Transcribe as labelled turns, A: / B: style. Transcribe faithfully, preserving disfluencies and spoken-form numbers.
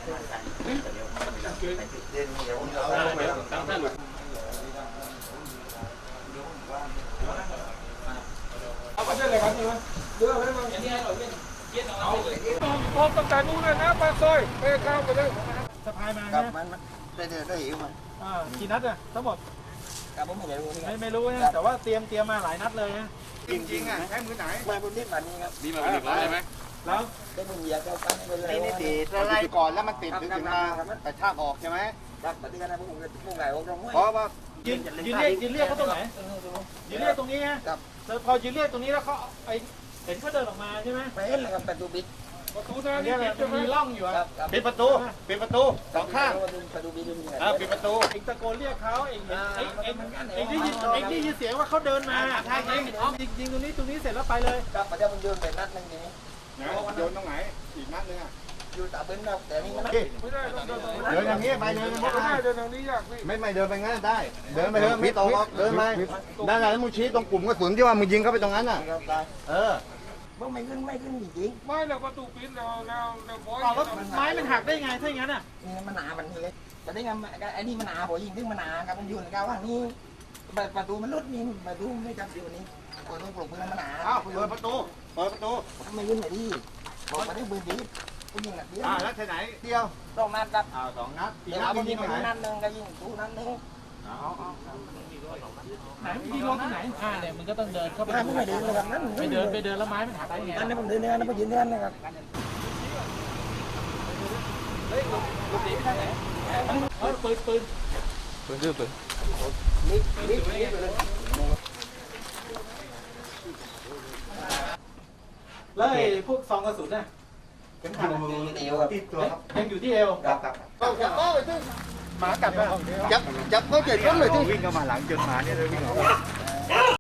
A: เอาไปได้เลยครับนี่มั้ยเยอะไหมมั้งอย่างนี้เราเล่นเย็นเอาพร้อมตั้งแต่นู้นเลยนะปลาซอยไปข้าวไปเลยสะพายมาเนี่ย
B: มันมันได้ได้ได้หิวมัน
A: อ่ากี่นัดอะทั้งหมด
B: ครับผมไม่รู้
A: ไม่ไม่รู้นะแต่ว่าเตรียมเตรียมมาหลายนัดเลยนะ
B: จริงจริงอ่ะใช้มือไหนมาบนนี้มันนี่ครับ
C: นี่มาเป็นหนึ่งร้อยใช่ไหม
A: แล้ว
B: ได้มือเหยียบเข้าตั้งไปเลยนี่ติดอะไรก่อนแล้วมันติดถึงมาแต่ชากออกใช่ไหมครับปฏิกันนะพวกผมพวกไก่พวกตรงเพราะว่า
A: ยืนยืนเรียกยืนเรียกเขาตรงไหนยืนเรียกตรงนี้ฮะพอยืนเรียกตรงนี้แล้วเขาไอเห็นเขาเดินออกมาใช่ไหม
B: ไปเห็นเลยครับประตูปิด
A: ประตูนั่นนี่จะมีร่องอยู่อ่ะ
C: ปิดประตูปิดประตูสองข้าง
B: ประตูปิดด้วย
C: อ่าปิดประตู
A: เองตะโกนเรียกเขาเองเองเองเองได้ยินเองได้ยินเสียงว่าเขาเดินมาใช่เองยิงยิงตรงนี้ตรงนี้เสร็จแล้วไปเลย
B: ครับประเดี๋ยวมันโยนไปนัดนึงทีนี้
C: โยนตรงไหนอีกนัดนึงอ่ะ
B: อยู่ตาเป็นเราแต่นี่มัน
A: ไม่ได้ต้องเดินตรงนี้
C: เดินอย่างนี้ไปเดิน
A: ไม่ได้เดินทางนี้ยากพี่
C: ไม่ไม่เดินไปงั้นได้เดินไปเดินไม่ตกเดินไปนั่นแหละแล้วมึงชี้ตรงกลุ่มกระสุนที่ว่ามึงยิงเข้าไปตรงนั้นอ่ะเออ
B: ว่าไม่ขึ้นไม่ขึ้นจริง
A: ไม่เราประตูปิดเราเราเราบอย
B: แล้ว
A: ไม้มันหักได้ไงถ้าอย่างนั้นอ่ะ
B: นี่มันหนามันเลยแต่ได้ไงไอ้นี่มันหนาหัวยิงถึงมันหนาครับมันอยู่ในกาว่านี่ประตูมันลุดนี่ประตูไม่จำอยู่นี่คนต้องปลุกเพื่อนมันหนา
C: อ้าวเปิดประตูเปิดประตู
B: ไม่ขึ้นไหนดีบอกมาได้ปืนดีปืนยิงนัดเดียว
C: อ่าแล้วที่ไหนเดียว
B: สองนัดครับ
C: อ่าสองนัด
B: เดี๋ยวเรายิงไปนัดหนึ่งก็ยิงตู้นัดหนึ่ง
A: ไหนยิงลงที่ไหนอ่าเนี่ยมันก็ต้องเดินเข้าไป
B: ไม่เดินเลยครับนั่น
A: ไปเดินไปเดินแล้วไม้มันหักได้ไง
B: นั่นนี่ผมเดินเนี่ยนั่นผมยืนเนี่ยนะครับ
A: เฮ้ยลูกหนีไปทางไหนเออปืนปืน
C: ปืนดื้อปืน
B: นี่นี่ไปเลย
A: แล้วไอ้พวกซองกระสุนน่ะ
B: เข็มขัดติดตัวติดตัวครับ
A: ยังอยู่ที่เอว
B: ครับครับ
A: จับเลยที่หมากัดป่ะ
C: จับจับเขาเจ็บก็เลยที่วิ่งเข้ามาหลังจนหมาเนี่ยเลยวิ่งออก